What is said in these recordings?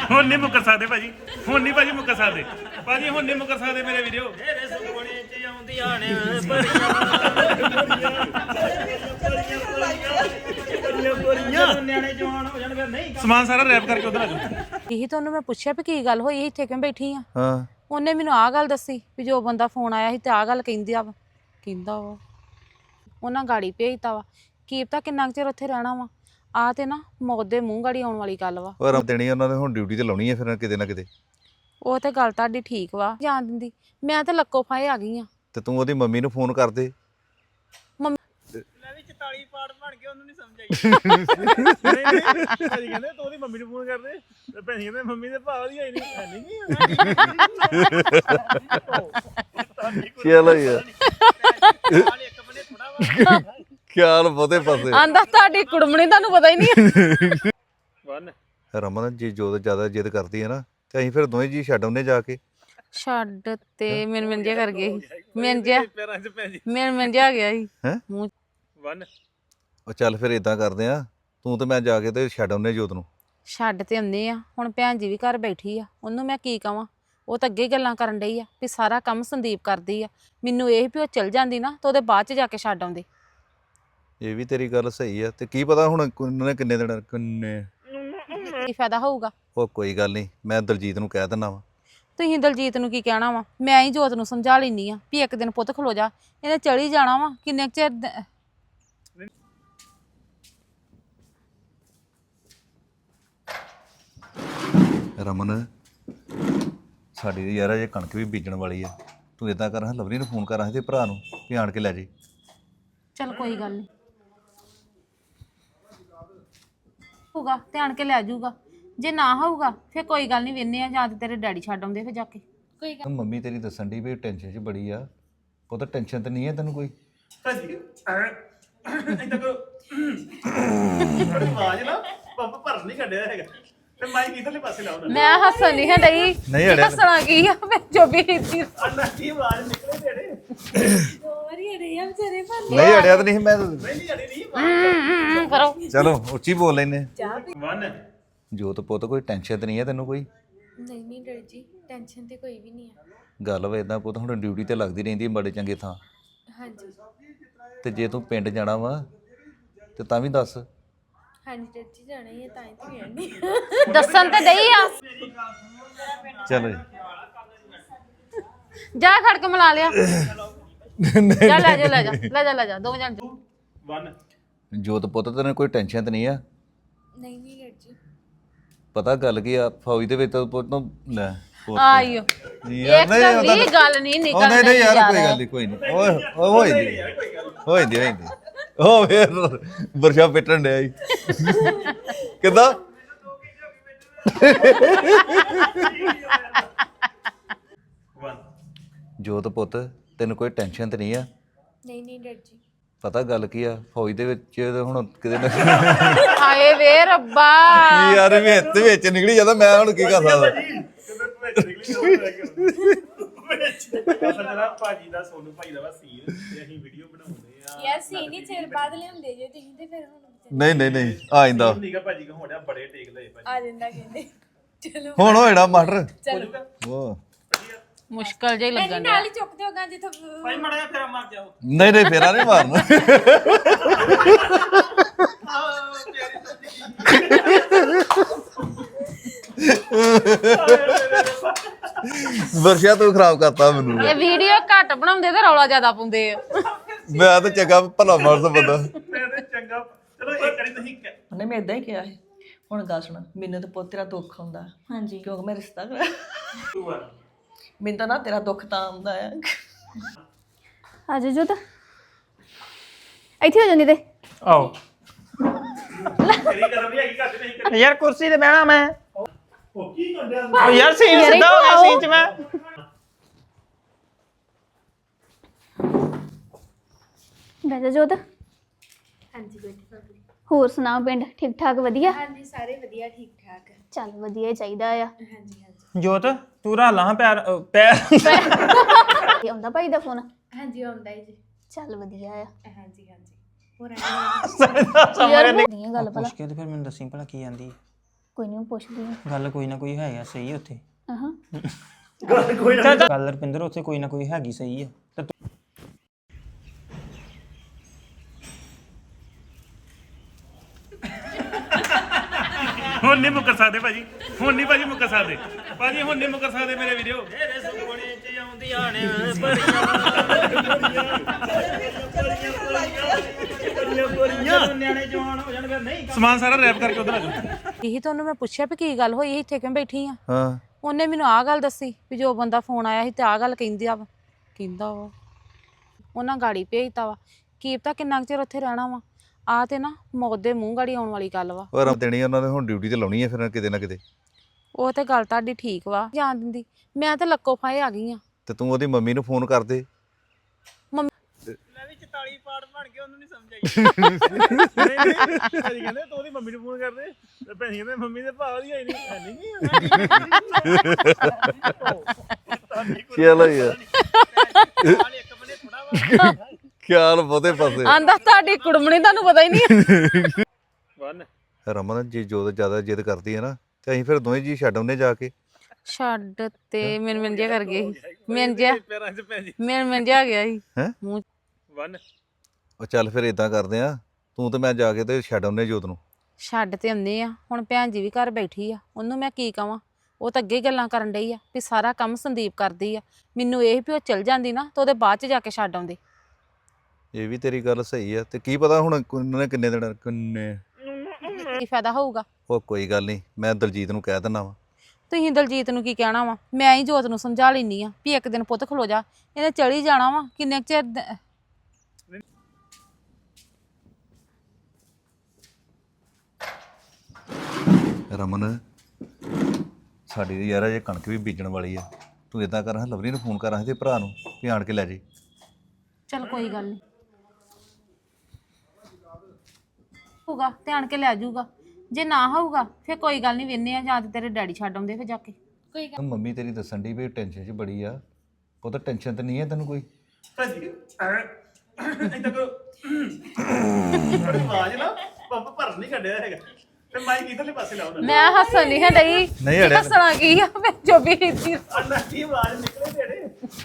ਹੁਣ ਨਹੀਂ ਮੁੱਕਰ ਸਕਦੇ ਭਾਜੀ ਹੁਣ ਨਹੀਂ ਭਾਜੀ ਮੁੱਕਰ ਸਕਦੇ ਭਾਜੀ ਹੁਣ ਨਹੀਂ ਮੁੱਕਰ ਸਕਦੇ ਮੇਰੇ ਵੀਡੀਓ ਮੇਰੇ ਸੁਪਨੇ ਚ ਆਉਂਦੀਆਂ ਨੇ ਬੜੀਆਂ ਨਿਆਣੇ ਜਵਾਨ ਹੋ ਜਾਣ ਫਿਰ ਨਹੀਂ ਸਮਾਨ ਸਾਰਾ ਰੈਪ ਕਰਕੇ ਉਧਰ ਆ ਜਾਓ ਇਹੀ ਤੁਹਾਨੂੰ ਮੈਂ ਪੁੱਛਿਆ ਵੀ ਕੀ ਗੱਲ ਹੋਈ ਇੱਥੇ ਕਿਉਂ ਬੈਠੀ ਆ ਹਾਂ ਉਹਨੇ ਮੈਨੂੰ ਆਹ ਗੱਲ ਦੱਸੀ ਵੀ ਜੋ ਬੰਦਾ ਫੋਨ ਆਇਆ ਸੀ ਤੇ ਆਹ ਗੱਲ ਕਹਿੰਦਾ ਵਾ ਉਹਨਾਂ ਗਾੜੀ ਭੇਜਤਾ ਵਾ ਕੀ ਪਤਾ ਕਿੰਨਾ ਕੁ ਚਿਰ ਉੱਥੇ ਰਹਿਣਾ ਵਾ ਆ ਤੇ ਨਾ ਮੌਤ ਦੇ ਮੂੰਹ ਗਾੜੀ ਆਉਣ ਵਾਲੀ ਗੱਲ ਵਾ ਉਹ ਰਮ ਦੇਣੀ ਉਹਨਾਂ ਨੇ ਹੁਣ ਡਿਊਟੀ ਤੇ ਲਾਉਣੀ ਹੈ ਫਿਰ ਕਿਤੇ ਨਾ ਕਿਤੇ ਉਹ ਤੇ ਗੱਲ ਤੁਹਾਡੀ ਠੀਕ ਵਾ ਜਾਣ ਦਿੰਦੀ ਮੈਂ ਤੇ ਲੱਕੋ ਫਾਏ ਆ ਗਈ ਆ ਤੇ ਤੂੰ ਉਹਦੀ ਮੰਮੀ ਨੂੰ ਫੋਨ ਕਰ ਦੇ ਮੰਮੀ ਲੈ ਵੀ 44 ਪਾਰਟ ਬਣ ਕੇ ਉਹਨੂੰ ਨਹੀਂ ਸਮਝ ਆਈ ਭਾਜੀ ਕਹਿੰਦੇ ਤੂੰ ਉਹਦੀ ਮੰਮੀ ਨੂੰ ਫੋਨ ਕਰਦੇ ਤੇ ਭੈਣ ਕਹਿੰਦੇ ਮੰਮੀ ਦੇ ਭਾਅ ਦੀ ਆਈ ਨਹੀਂ ਚਲੋ ਯਾਰ ਖਿਆਲ ਬਹੁਤੇ ਪਾਸੇ ਆਂਦਾ ਤੁਹਾਡੀ ਕੁੜਮਣੀ ਤੁਹਾਨੂੰ ਪਤਾ ਹੀ ਨਹੀਂ ਵਨ ਰਮਨ ਜੀ ਜੋ ਜ਼ਿਆਦਾ ਜਿੱਦ ਕਰਦੀ ਹੈ ਨਾ ਤੇ ਅਸੀਂ ਫਿਰ ਦੋਵੇਂ ਜੀ ਛੱਡ ਆਉਂਦੇ ਜਾ ਕੇ ਛੱਡ ਤੇ ਮਿੰਨ ਜਿਹਾ ਕਰ ਗਏ ਸੀ ਮਿੰਨ ਜਿਹਾ ਪੈਰਾਂ 'ਚ ਪੈ ਜੀ ਮਿੰਨ ਜਿਹਾ ਆ ਗਿਆ ਸੀ ਹੈਂ ਮੂੰਹ ਵਨ ਉਹ ਚੱਲ ਫਿਰ ਇਦਾਂ ਕਰਦੇ ਆ ਤੂੰ ਤੇ ਮੈਂ ਜਾ ਕੇ ਤੇ ਛੱਡ ਆਉਂਦੇ ਜੋਤ ਨੂੰ ਛੱਡ ਤੇ ਆਉਂਦੇ ਆ ਹੁਣ ਭੈਣ ਜੀ ਵੀ ਘਰ ਬੈਠੀ ਆ ਉਹਨੂੰ ਮੈਂ ਕੀ ਕਵਾਂ ਉਹ ਤਾਂ ਅੱਗੇ ਗੱਲਾਂ ਕਰਨ ਡਈ ਆ ਵੀ ਸਾਰਾ ਕੰਮ ਸੰਦੀਪ ਕਰਦੀ ਆ ਮੈਨੂੰ ਇਹ ਵੀ ਉਹ ਚਲ ਜਾਂਦੀ ਨਾ ਤਾਂ ਉਹਦੇ ਬਾਅਦ ਚ ਜਾ ਕੇ ਛੱਡ ਆਉਂਦੇ ਇਹ ਵੀ ਤੇਰੀ ਗੱਲ ਸਹੀ ਆ ਤੇ ਕੀ ਪਤਾ ਹੁਣ ਉਹਨਾਂ ਨੇ ਕਿੰਨੇ ਦਿਨ ਕਿੰਨੇ ਕੀ ਫਾਇਦਾ ਹੋਊਗਾ ਉਹ ਕੋਈ ਗੱਲ ਨਹੀਂ ਮੈਂ ਦਲਜੀਤ ਨੂੰ ਕਹਿ ਦਿੰਦਾ ਵਾ ਤੁਸੀਂ ਦਲਜੀਤ ਨੂੰ ਕੀ ਕਹਿਣਾ ਵਾ ਮੈਂ ਹੀ ਜੋਤ ਨੂੰ ਸਮਝਾ ਲੈਂਦੀ ਆ ਵੀ ਇੱਕ ਦਿਨ ਪੁੱਤ ਖਲੋ ਜਾ ਇਹਨੇ ਚਲੀ ਜਾਣਾ ਵਾ ਕਿੰਨੇ ਕੁ ਚਿਰ ਰਮਨ ਸਾਡੀ ਯਾਰ ਅਜੇ ਕਣਕ ਵੀ ਬੀਜਣ ਵਾਲੀ ਆ ਤੂੰ ਇਦਾਂ ਕਰ ਲਵਰੀ ਨੂੰ ਫੋਨ ਕਰ ਤੇ ਭਰਾ ਨੂੰ ਵੀ ਆਣ ਕੇ ਲੈ ਜੇ ਚੱਲ ਕੋਈ ਗੱਲ ਨਹੀਂ ਹੋਊਗਾ ਧਿਆਨ ਕੇ ਲੈ ਜਾਊਗਾ ਜੇ ਨਾ ਹੋਊਗਾ ਫਿਰ ਕੋਈ ਗੱਲ ਨਹੀਂ ਵੇਨੇ ਆ ਜਾਂ ਤੇ ਤੇਰੇ ਡੈਡੀ ਛੱਡ ਆਉਂਦੇ ਫਿਰ ਜਾ ਕੇ ਕੋਈ ਗੱਲ ਮੰਮੀ ਤੇਰੀ ਦੱਸਣ ਦੀ ਵੀ ਟੈਨਸ਼ਨ 'ਚ ਬੜੀ ਆ ਉਹ ਤਾਂ ਟੈਨਸ਼ਨ ਤੇ ਨਹੀਂ ਹੈ ਤੈਨੂੰ ਕੋਈ ਭਾਜੀ ਇਦਾਂ ਕਰੋ ਆਵਾਜ਼ ਨਾ ਪੰਪ ਭਰਨ ਨਹੀਂ ਕੱਢਿਆ ਹੈਗਾ ਤੇ ਮਾਈਕ ਇਧਰਲੇ ਪਾਸੇ ਲਾਓ ਨਾ ਮੈਂ ਹੱਸਣ ਨਹੀਂ ਹੈ ਡਈ ਨਹੀਂ ਅੜਿਆ ਹੱਸਣਾ ਕੀ ਆ ਮੈਂ ਜੋ ਵੀ ਕੀਤੀ ਅੰਨਾ ਕੀ ਆਵਾਜ਼ ਨਿਕਲੇ ਤੇਰੇ ਨਹੀਂ ਅੜਿਆ ਤਾਂ ਨਹੀਂ ਮੈਂ ਨਹੀਂ ਅੜੀ ਨਹੀਂ ਕਰੋ ਚਲੋ ਉੱਚੀ ਬੋਲ ਲੈਨੇ ਵਨ ਜੋਤ ਪੁੱਤ ਕੋਈ ਟੈਨਸ਼ਨ ਤੇ ਨਹੀਂ ਹੈ ਤੈਨੂੰ ਕੋਈ ਨਹੀਂ ਡਰ ਜੀ ਟੈਨਸ਼ਨ ਤੇ ਕੋਈ ਵੀ ਨਹੀਂ ਹੈ ਗੱਲ ਵਾ ਇਦਾਂ ਪੁੱਤ ਹੁਣ ਡਿਊਟੀ ਤੇ ਲੱਗਦੀ ਰਹਿੰਦੀ ਹੈ ਬੜੇ ਚੰਗੇ ਥਾਂ ਹਾਂਜੀ ਤੇ ਜੇ ਤੂੰ ਪਿੰਡ ਜਾਣਾ ਵਾ ਤੇ ਤਾਂ ਵੀ ਦੱਸ ਹਾਂਜੀ ਡਰ ਜੀ ਜਾਣਾ ਹੀ ਹੈ ਤਾਂ ਹੀ ਤਾਂ ਗਿਆ ਨਹੀਂ ਦੱਸਣ ਤੇ ਡਈ ਆ ਚਲੋ ਜਾ ਖੜ ਕੇ ਮਿਲਾ ਲਿਆ ਜਾ ਲੈ ਜਾ ਦੋਵੇਂ ਜਣ ਵਨ ਜੋਤ ਪੁੱਤ ਤੈਨੂੰ ਕੋਈ ਟੈਨਸ਼ਨ ਤੇ ਨਹੀਂ ਆ ਨਹੀਂ ਡਰ ਜੀ ਪਤਾ ਗੱਲ ਕੀ ਆ ਫੌਜ ਦੇ ਵਿੱਚ ਤਾਂ ਪੁੱਤ ਨੂੰ ਲੈ ਆਇਓ ਇੱਕ ਵੀ ਗੱਲ ਨਹੀਂ ਨਿਕਲਦੀ ਨਹੀਂ ਯਾਰ ਕੋਈ ਗੱਲ ਨਹੀਂ ਕੋਈ ਨਹੀਂ ਓਏ ਹੋਈ ਦੀ ਉਹ ਫੇਰ ਵਰਸ਼ਾ ਪਿੱਟਣ ਡਿਆ ਈ ਕਿੱਦਾਂ ਵਨ ਜੋਤ ਪੁੱਤ ਤੈਨੂੰ ਕੋਈ ਟੈਨਸ਼ਨ ਤੇ ਨਹੀਂ ਆ ਨਹੀਂ ਡਰ ਜੀ ਪਤਾ ਗੱਲ ਕੀ ਆ ਫੌਜ ਦੇ ਵਿੱਚ ਹੁਣ ਕਿਤੇ ਨਾ ਹਾਏ ਵੇ ਰੱਬਾ ਯਾਰ ਵਿੱਚ ਨਿਕਲੀ ਜਾਂਦਾ ਮੈਂ ਹੁਣ ਕੀ ਕਰ ਸਕਦਾ ਭਾਜੀ ਦਾ ਸੋਨੂ ਭਾਈ ਦਾ ਵਾ ਸੀਨ ਤੇ ਅਸੀਂ ਵੀਡੀਓ ਬਣਾਉਂਦੇ ਆ ਯਾਰ ਸੀਨ ਹੀ ਚਿਰ ਬਾਅਦ ਲਿਆਉਂਦੇ ਜੇ ਤੁਸੀਂ ਤੇ ਫਿਰ ਹੁਣ ਨਹੀਂ ਆ ਜਾਂਦਾ ਨੀਗਾ ਭਾਜੀ ਕੋ ਹੋੜਿਆ ਬੜੇ ਟੇਕ ਲਏ ਭਾਜੀ ਆ ਜਾਂਦਾ ਕਹਿੰਦੇ ਚਲੋ ਹੁਣ ਹੋਏੜਾ ਮਾਸਟਰ ਚਲੋ ਉਹ ਮੁਸ਼ਕਲ ਜਿਹਾ ਹੀ ਲੱਗਣ ਨਾਲ ਹੀ ਚੁੱਕਦੇ ਹੋਗਾ ਜਿੱਥੋਂ ਭਾਈ ਮੜਾ ਜਿਹਾ ਫੇਰਾ ਮਾਰ ਜਾਓ ਨਹੀਂ ਫੇਰਾ ਨਹੀਂ ਮਾਰਨਾ ਵਰਸ਼ਾ ਤੂੰ ਖਰਾਬ ਕਰਤਾ ਮੈਨੂੰ ਇਹ ਵੀਡੀਓ ਘੱਟ ਬਣਾਉਂਦੇ ਤੇ ਰੌਲਾ ਜ਼ਿਆਦਾ ਪਾਉਂਦੇ ਆ ਮੈਂ ਤਾਂ ਚੰਗਾ ਭਲਾ ਮਾਰਦਾ ਬੰਦਾ ਮੈਂ ਤੇ ਚੰਗਾ ਚਲੋ ਇੱਕ ਵਾਰੀ ਤੁਸੀਂ ਉਹਨੇ ਮੈਂ ਇਦਾਂ ਹੀ ਕਿਹਾ ਸੀ ਹੁਣ ਗੱਲ ਸੁਣ ਮੈਨੂੰ ਤਾਂ ਪੁੱਤ ਤੇਰਾ ਦੁੱਖ ਆਉਂਦਾ ਹਾਂਜੀ ਕਿਉਂਕਿ ਮੈਂ ਰਿਸ਼ਤਾ ਕਰਾਇਆ 2 1 ਮੈਨੂੰ ਤਾਂ ਨਾ ਤੇਰਾ ਦੁੱਖ ਤਾਂ ਆਉਂਦਾ ਆ ਆ ਜਾ ਜੋਤ ਇੱਥੇ ਹੋ ਜਾਂਦੀ ਤੇ ਆਓ ਤੇਰੀ ਕਦਮ ਵੀ ਹੈਗੀ ਘੱਟ ਨਹੀਂ ਯਾਰ ਕੁਰਸੀ ਤੇ ਬਹਿਣਾ ਮੈਂ ਉਹ ਕੀ ਕੰਡਿਆ ਓ ਯਾਰ ਸੀਨ ਸਿੱਧਾ ਹੋ ਗਿਆ ਸੀਨ ਚ ਮੈਂ ਬਹਿ ਜਾ ਜੋਤ ਹਾਂਜੀ ਬੈਠੀ ਭਾਬੀ ਹੋਰ ਸੁਣਾਓ ਪਿੰਡ ਠੀਕ ਠਾਕ ਵਧੀਆ ਹਾਂਜੀ ਸਾਰੇ ਵਧੀਆ ਠੀਕ ਠਾਕ ਚੱਲ ਵਧੀਆ ਹੀ ਚਾਹੀਦਾ ਆ ਹਾਂਜੀ ਹਾਂਜੀ ਜੋਤ ਤੂੰ ਰਾਲਾਂ ਪੈਰ ਇਹ ਆਉਂਦਾ ਭਾਈ ਦਾ ਫੋਨ ਹਾਂਜੀ ਆਉਂਦਾ ਜੀ ਚੱਲ ਵਧੀਆ ਆ ਹਾਂਜੀ ਹਾਂਜੀ ਹੋਰ ਆਇਆ ਯਾਰ ਨਹੀਂ ਗੱਲ ਭਲਾ ਮੁਸ਼ਕਿਲ ਤੇ ਫਿਰ ਮੈਨੂੰ ਦੱਸੀ ਭਲਾ ਕੀ ਆਂਦੀ ਕੋਈ ਨਹੀਂ ਪੁੱਛਦੀ ਹਾਂ ਗੱਲ ਕੋਈ ਨਾ ਕੋਈ ਹੈਗਾ ਸਹੀ ਉੱਥੇ ਆਹਾਂ ਗੱਲ ਰਪਿੰਦਰ ਉੱਥੇ ਕੋਈ ਨਾ ਕੋਈ ਹੈਗੀ ਸਹੀ ਹੈ ਤੇ ਹੁਣ ਨਹੀਂ ਮੁੱਕਰ ਸਕਦੇ ਭਾਜੀ ਹੁਣ ਨਹੀਂ ਭਾਜੀ ਮੁੱਕਰ ਸਕਦੇ ਭਾਜੀ ਹੁਣ ਨਹੀਂ ਮੁੱਕਰ ਸਕਦੇ ਮੇਰੇ ਵੀਡੀਓ ਮੇਰੇ ਸੁਪਨੇ ਚ ਆਉਂਦੀਆਂ ਨੇ ਬੜੀਆਂ ਨਿਆਣੇ ਜਵਾਨ ਹੋ ਜਾਣ ਫਿਰ ਨਹੀਂ ਸਮਾਨ ਸਾਰਾ ਰੈਪ ਕਰਕੇ ਉਧਰ ਆ ਜਾਓ ਇਹੀ ਤੁਹਾਨੂੰ ਮੈਂ ਪੁੱਛਿਆ ਵੀ ਕੀ ਗੱਲ ਹੋਈ ਇੱਥੇ ਕਿਉਂ ਬੈਠੀ ਆ ਹਾਂ ਉਹਨੇ ਮੈਨੂੰ ਆਹ ਗੱਲ ਦੱਸੀ ਵੀ ਜੋ ਬੰਦਾ ਫੋਨ ਆਇਆ ਸੀ ਤੇ ਆਹ ਗੱਲ ਕਹਿੰਦਾ ਵਾ ਉਹਨਾਂ ਗਾੜੀ ਭੇਜਤਾ ਵਾ ਕੀ ਪਤਾ ਕਿੰਨਾ ਕੁ ਚਿਰ ਉੱਥੇ ਰਹਿਣਾ ਵਾ ਆ ਤੇ ਨਾ ਮੌਤ ਦੇ ਮੂੰਹ ਗਾੜੀ ਆਉਣ ਵਾਲੀ ਗੱਲ ਵਾ ਪਰ ਦੇਣੀ ਉਹਨਾਂ ਨੇ ਹੁਣ ਡਿਊਟੀ ਤੇ ਲਾਉਣੀ ਹੈ ਫਿਰ ਕਿਤੇ ਨਾ ਕਿਤੇ ਉਹ ਤੇ ਗੱਲ ਤੁਹਾਡੀ ਠੀਕ ਵਾ ਜਾਣ ਦਿੰਦੀ ਮੈਂ ਤੇ ਲੱਕੋ ਫਾਏ ਆ ਗਈ ਆ ਤੇ ਤੂੰ ਉਹਦੀ ਮੰਮੀ ਨੂੰ ਫੋਨ ਕਰ ਦੇ ਮੰਮੀ ਮੈਂ ਵੀ 44 ਪਾਰਟ ਬਣ ਕੇ ਉਹਨੂੰ ਨਹੀਂ ਸਮਝ ਆਈ ਨਹੀਂ ਭਾਜੀ ਕਹਿੰਦੇ ਤੂੰ ਉਹਦੀ ਮੰਮੀ ਨੂੰ ਫੋਨ ਕਰਦੇ ਤੇ ਭੈਣ ਕਹਿੰਦੇ ਮੰਮੀ ਦੇ ਭਾਅ ਦੀ ਆਈ ਨਹੀਂ ਚਲੋ ਯਾਰ ਨਾਲ ਇੱਕ ਬੰਨੇ ਥੋੜਾ ਵਾ ਖਿਆਲ ਬਹੁਤੇ ਪਾਸੇ ਆਂਦਾ ਤੁਹਾਡੀ ਕੁੜਮਣੀ ਤੁਹਾਨੂੰ ਪਤਾ ਹੀ ਨਹੀਂ ਵਨ ਰਮਨ ਜੀ ਜੋ ਜ਼ਿਆਦਾ ਜਿੱਦ ਕਰਦੀ ਹੈ ਨਾ ਤੇ ਅਸੀਂ ਫਿਰ ਦੋਵੇਂ ਜੀ ਛੱਡ ਆਉਂਦੇ ਜਾ ਕੇ ਛੱਡ ਤੇ ਮਿੰਨ ਜਿਹਾ ਕਰ ਗਏ ਸੀ ਮਿੰਨ ਜਿਹਾ ਪੈਰਾਂ 'ਚ ਭੈਣ ਜੀ ਮਿੰਨ ਜਿਹਾ ਆ ਗਿਆ ਸੀ ਹੈਂ? ਮੂੰਹ ਵਨ ਉਹ ਚੱਲ ਫਿਰ ਇਦਾਂ ਕਰਦੇ ਆ ਤੂੰ ਤੇ ਮੈਂ ਜਾ ਕੇ ਤੇ ਛੱਡ ਆਉਂਦੇ ਜੋਤ ਨੂੰ ਛੱਡ ਤੇ ਆਉਂਦੇ ਆ ਹੁਣ ਭੈਣ ਜੀ ਵੀ ਘਰ ਬੈਠੀ ਆ ਉਹਨੂੰ ਮੈਂ ਕੀ ਕਵਾਂ ਉਹ ਤਾਂ ਅੱਗੇ ਹੀ ਗੱਲਾਂ ਕਰਨ ਡਈ ਆ ਵੀ ਸਾਰਾ ਕੰਮ ਸੰਦੀਪ ਕਰਦੀ ਆ ਮੈਨੂੰ ਇਹ ਵੀ ਉਹ ਚਲ ਜਾਂਦੀ ਨਾ ਤਾਂ ਉਹਦੇ ਬਾਅਦ ਚ ਜਾ ਕੇ ਛੱਡ ਆਉਂਦੇ ਇਹ ਵੀ ਤੇਰੀ ਗੱਲ ਸਹੀ ਆ ਤੇ ਕੀ ਪਤਾ ਹੁਣ ਉਹਨਾਂ ਨੇ ਕਿੰਨੇ ਦਿਨ ਕਿੰਨੇ ਕੀ ਫਾਇਦਾ ਹੋਊਗਾ ਉਹ ਕੋਈ ਗੱਲ ਨਹੀਂ ਮੈਂ ਦਲਜੀਤ ਨੂੰ ਕਹਿ ਦਿੰਦਾ ਵਾ ਤੁਸੀਂ ਦਲਜੀਤ ਨੂੰ ਕੀ ਕਹਿਣਾ ਵਾ ਮੈਂ ਹੀ ਜੋਤ ਨੂੰ ਸਮਝਾ ਲੈਣੀ ਆ ਵੀ ਇੱਕ ਦਿਨ ਪੁੱਤ ਖਲੋ ਜਾ ਇਹਨੇ ਚਲੀ ਜਾਣਾ ਵਾ ਕਿੰਨੇ ਕੁ ਚਿਰ ਰਮਨ ਸਾਡੀ ਯਾਰ ਅਜੇ ਕਣਕ ਵੀ ਬੀਜਣ ਵਾਲੀ ਆ ਤੂੰ ਇਦਾਂ ਕਰ ਲਵਲੀ ਨੂੰ ਫੋਨ ਕਰਾਂ ਤੇ ਭਰਾ ਨੂੰ ਵੀ ਆਣ ਕੇ ਲੈ ਜੇ ਚਲ ਕੋਈ ਗੱਲ ਨਹੀਂ ਹੋਊਗਾ ਧਿਆਨ ਕੇ ਲੈ ਜਾਊਗਾ ਜੇ ਨਾ ਹੋਊਗਾ ਫਿਰ ਕੋਈ ਗੱਲ ਨਹੀਂ ਵੇਨੇ ਆ ਜਾਂ ਤੇ ਤੇਰੇ ਡੈਡੀ ਛੱਡ ਆਉਂਦੇ ਫਿਰ ਜਾ ਕੇ ਮੰਮੀ ਤੇਰੀ ਦੱਸਣ ਦੀ ਵੀ ਟੈਨਸ਼ਨ 'ਚ ਬੜੀ ਆ ਉਹ ਤਾਂ ਟੈਨਸ਼ਨ ਤੇ ਨਹੀਂ ਹੈ ਤੈਨੂੰ ਕੋਈ ਭਾਜੀ ਇੰਦਾ ਕਰੋ ਆਵਾਜ਼ ਨਾ ਪੰਪ ਭਰ ਨਹੀਂ ਕੱਢਿਆ ਹੈਗਾ ਤੇ ਮਾਈਕ ਇਧਰਲੇ ਪਾਸੇ ਲਾਓ ਨਾ ਮੈਂ ਹੱਸਣ ਨਹੀਂ ਹੈ ਡਈ ਨਹੀਂ ਅੜਿਆ ਹੱਸਣਾ ਕੀ ਆ ਮੈਂ ਜੋ ਵੀ ਕੀਤੀ ਅੰਨਾ ਕੀ ਆਵਾਜ਼ ਨਿਕਲੇ ਤੇਰੇ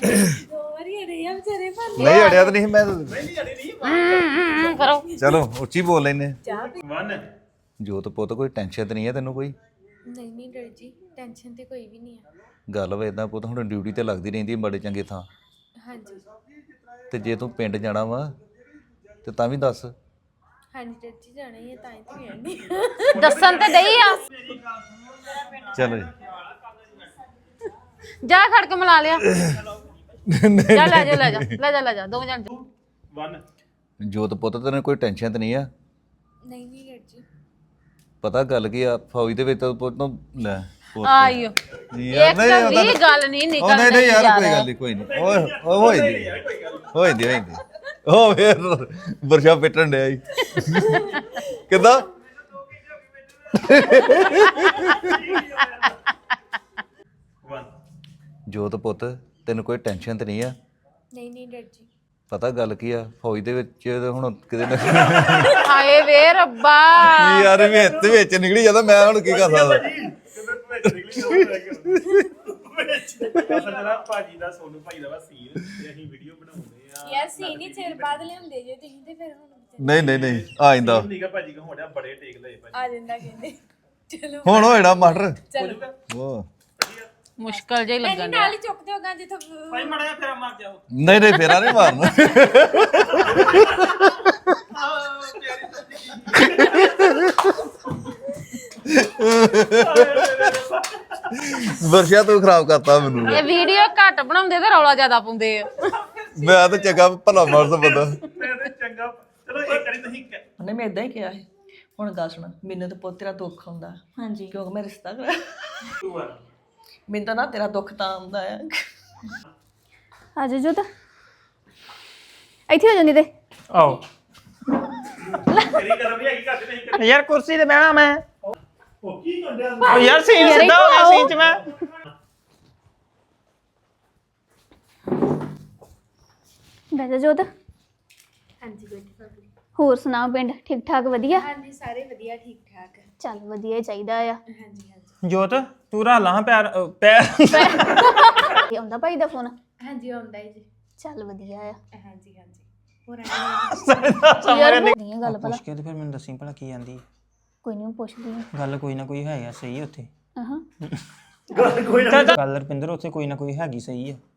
ਨਹੀਂ ਅੜਿਆ ਤਾਂ ਨਹੀਂ ਮੈਂ ਨਹੀਂ ਅੜੀ ਨਹੀਂ ਕਰੋ ਚਲੋ ਉੱਚੀ ਬੋਲ ਲੈਨੇ ਵਨ ਜੋਤ ਪੁੱਤ ਕੋਈ ਟੈਨਸ਼ਨ ਤੇ ਨਹੀਂ ਹੈ ਤੈਨੂੰ ਕੋਈ ਨਹੀਂ ਡਰ ਜੀ ਟੈਨਸ਼ਨ ਤੇ ਕੋਈ ਵੀ ਨਹੀਂ ਆ ਗੱਲ ਵਾ ਇਦਾਂ ਪੁੱਤ ਹੁਣ ਡਿਊਟੀ ਤੇ ਲੱਗਦੀ ਰਹਿੰਦੀ ਬੜੇ ਚੰਗੇ ਥਾਂ ਹਾਂਜੀ ਤੇ ਜੇ ਤੂੰ ਪਿੰਡ ਜਾਣਾ ਵਾ ਤੇ ਤਾਂ ਵੀ ਦੱਸ ਹਾਂਜੀ ਡਰ ਜੀ ਜਾਣਾ ਹੀ ਹੈ ਤਾਂ ਹੀ ਤੇ ਵੀ ਆਣੀ ਦੱਸਣ ਤੇ ਦਈ ਆ ਚਲੋ ਜੀ ਜਾ ਖੜ ਕੇ ਮਿਲਾ ਲਿਆ ਜਾ ਲੈ ਜਾ ਦੋਵੇਂ ਜਣ ਵਨ ਜੋਤ ਪੁੱਤ ਤੈਨੂੰ ਕੋਈ ਟੈਨਸ਼ਨ ਤੇ ਨਹੀਂ ਆ ਨਹੀਂ ਡਰ ਜੀ ਪਤਾ ਗੱਲ ਕੀ ਆ ਫੌਜ ਦੇ ਵਿੱਚ ਤਾਂ ਪੁੱਤ ਨੂੰ ਲੈ ਪੁੱਤ। ਆਇਓ ਯਾਰ ਇੱਕ ਤਾਂ ਵੀ ਗੱਲ ਨਹੀਂ ਉਹ ਨਹੀਂ ਨਿਕਲਦੀ ਯਾਰ ਕੋਈ ਗੱਲ ਨਹੀਂ ਕੋਈ ਨਹੀਂ ਓਏ ਹੋਈਦੀ ਉਹ ਫੇਰ ਵਰਸ਼ਾ ਪਿੱਟਣ ਡਿਆ ਜੀ ਕਿੱਦਾਂ ਵਨ ਜੋਤ ਪੁੱਤ ਤੈਨੂੰ ਕੋਈ ਟੈਨਸ਼ਨ ਤੇ ਨਹੀਂ ਆ ਨਹੀਂ ਡਰ ਜੀ ਪਤਾ ਗੱਲ ਕੀ ਆ ਫੌਜ ਦੇ ਵਿੱਚ ਹੁਣ ਕਿਤੇ ਨਾ ਹਾਏ ਵੇ ਰੱਬਾ ਯਾਰ ਵਿੱਚ ਨਿਕਲੀ ਜਾਂਦਾ ਮੈਂ ਹੁਣ ਕੀ ਕਰ ਸਕਦਾ ਜਿਹੜਾ ਭਾਜੀ ਦਾ ਸੋਨੂ ਭਾਈ ਦਾ ਵਾ ਸੀਨ ਤੇ ਅਸੀਂ ਵੀਡੀਓ ਬਣਾਉਂਦੇ ਆ ਯਾਰ ਸੀ ਨਹੀਂ ਚਿਰ ਬਾਅਦ ਲਿਆਉਂਦੇ ਜੇ ਤੁਸੀਂ ਤੇ ਫਿਰ ਹੁਣ ਨਹੀਂ ਆ ਜਾਂਦਾ ਨੀਗਾ ਭਾਜੀ ਕੋ ਹੋੜਿਆ ਬੜੇ ਟੇਕ ਲਏ ਭਾਜੀ ਆ ਜਾਂਦਾ ਕਹਿੰਦੇ ਚਲੋ ਹੁਣ ਹੋਇਣਾ ਮਾਸਟਰ ਚਲੋ ਉਹ ਮੁਸ਼ਕਲ ਜਿਹਾ ਹੀ ਲੱਗਣ ਡਿਆ ਨਾਲ ਹੀ ਚੁੱਕਦੇ ਹੋਗਾ ਜਿੱਥੋਂ ਭਾਈ ਮੜਾ ਜਿਹਾ ਫੇਰਾ ਮਾਰ ਜਾਓ ਨਹੀਂ ਫੇਰਾ ਨਹੀਂ ਮਾਰਨਾ ਵਰਸ਼ਾ ਤੂੰ ਖਰਾਬ ਕਰਤਾ ਮੈਨੂੰ ਇਹ ਵੀਡੀਓ ਘੱਟ ਬਣਾਉਂਦੇ ਤੇ ਰੌਲਾ ਜ਼ਿਆਦਾ ਪਾਉਂਦੇ ਆ ਮੈਂ ਤਾਂ ਚੰਗਾ ਭਲਾ ਮਾਰਸ ਬੰਦਾ ਮੈਂ ਤੇ ਚੰਗਾ ਚਲੋ ਇੱਕ ਵਾਰੀ ਤੁਸੀਂ ਉਹਨੇ ਮੈਂ ਇਦਾਂ ਹੀ ਕਿਹਾ ਸੀ ਹੁਣ ਗੱਲ ਸੁਣ ਮੈਨੂੰ ਤਾਂ ਪੁੱਤ ਤੇਰਾ ਦੁੱਖ ਆਉਂਦਾ ਹਾਂਜੀ ਕਿਉਂਕਿ ਮੈਂ ਰਿਸ਼ਤਾ ਕਰਾਇਆ 2 1 ਮੈਨੂੰ ਤਾਂ ਨਾ ਤੇਰਾ ਦੁੱਖ ਤਾਂ ਆਉਂਦਾ ਆ ਆ ਜਾ ਜੋਤ ਇੱਥੇ ਹੋ ਜਾਂਦੀ ਤੇ ਆਓ ਤੇਰੀ ਕਦਮ ਵੀ ਹੈਗੀ ਘੱਟ ਨਹੀਂ ਕਰੀ ਯਾਰ ਕੁਰਸੀ ਤੇ ਬਹਿਣਾ ਮੈਂ ਉਹ ਕੀ ਕੰਡਿਆ ਉਹ ਯਾਰ ਸੀਨ ਸਿੱਧਾ ਹੋ ਗਿਆ ਸੀਨ ਚ ਮੈਂ ਬਹਿ ਜਾ ਜੋਤ ਹਾਂਜੀ ਬੈਠੇ ਭਾਬੀ ਹੋਰ ਸੁਣਾਓ ਪਿੰਡ ਠੀਕ ਠਾਕ ਵਧੀਆ ਹਾਂਜੀ ਸਾਰੇ ਵਧੀਆ ਠੀਕ ਠਾਕ ਚੱਲ ਵਧੀਆ ਹੀ ਚਾਹੀਦਾ ਆ ਹਾਂਜੀ ਹਾਂਜੀ ਜੋਤ ਤੂੰ ਰਾਲਾ ਹਾਂ ਪੈਰ ਪੈਰ ਇਹ ਆਉਂਦਾ ਭਾਈ ਦਾ ਫੋਨ ਹਾਂਜੀ ਆਉਂਦਾ ਹੈ ਜੀ ਚੱਲ ਵਧੀਆ ਆ ਹਾਂਜੀ ਹਾਂਜੀ ਹੋਰ ਆਏ ਯਾਰ ਦੀਆਂ ਗੱਲ ਭਲਾ ਪੁੱਛ ਕੇ ਤੇ ਫਿਰ ਮੈਨੂੰ ਦੱਸੀ ਭਲਾ ਕੀ ਆਂਦੀ ਕੋਈ ਨਹੀਂ ਪੁੱਛਦੀ ਆ ਗੱਲ ਕੋਈ ਨਾ ਕੋਈ ਹੈ ਆ ਸਹੀ ਉੱਥੇ ਹਾਂ ਗੱਲ ਰੁਪਿੰਦਰ ਉੱਥੇ ਕੋਈ ਨਾ ਕੋਈ ਹੈਗੀ ਸਹੀ ਆ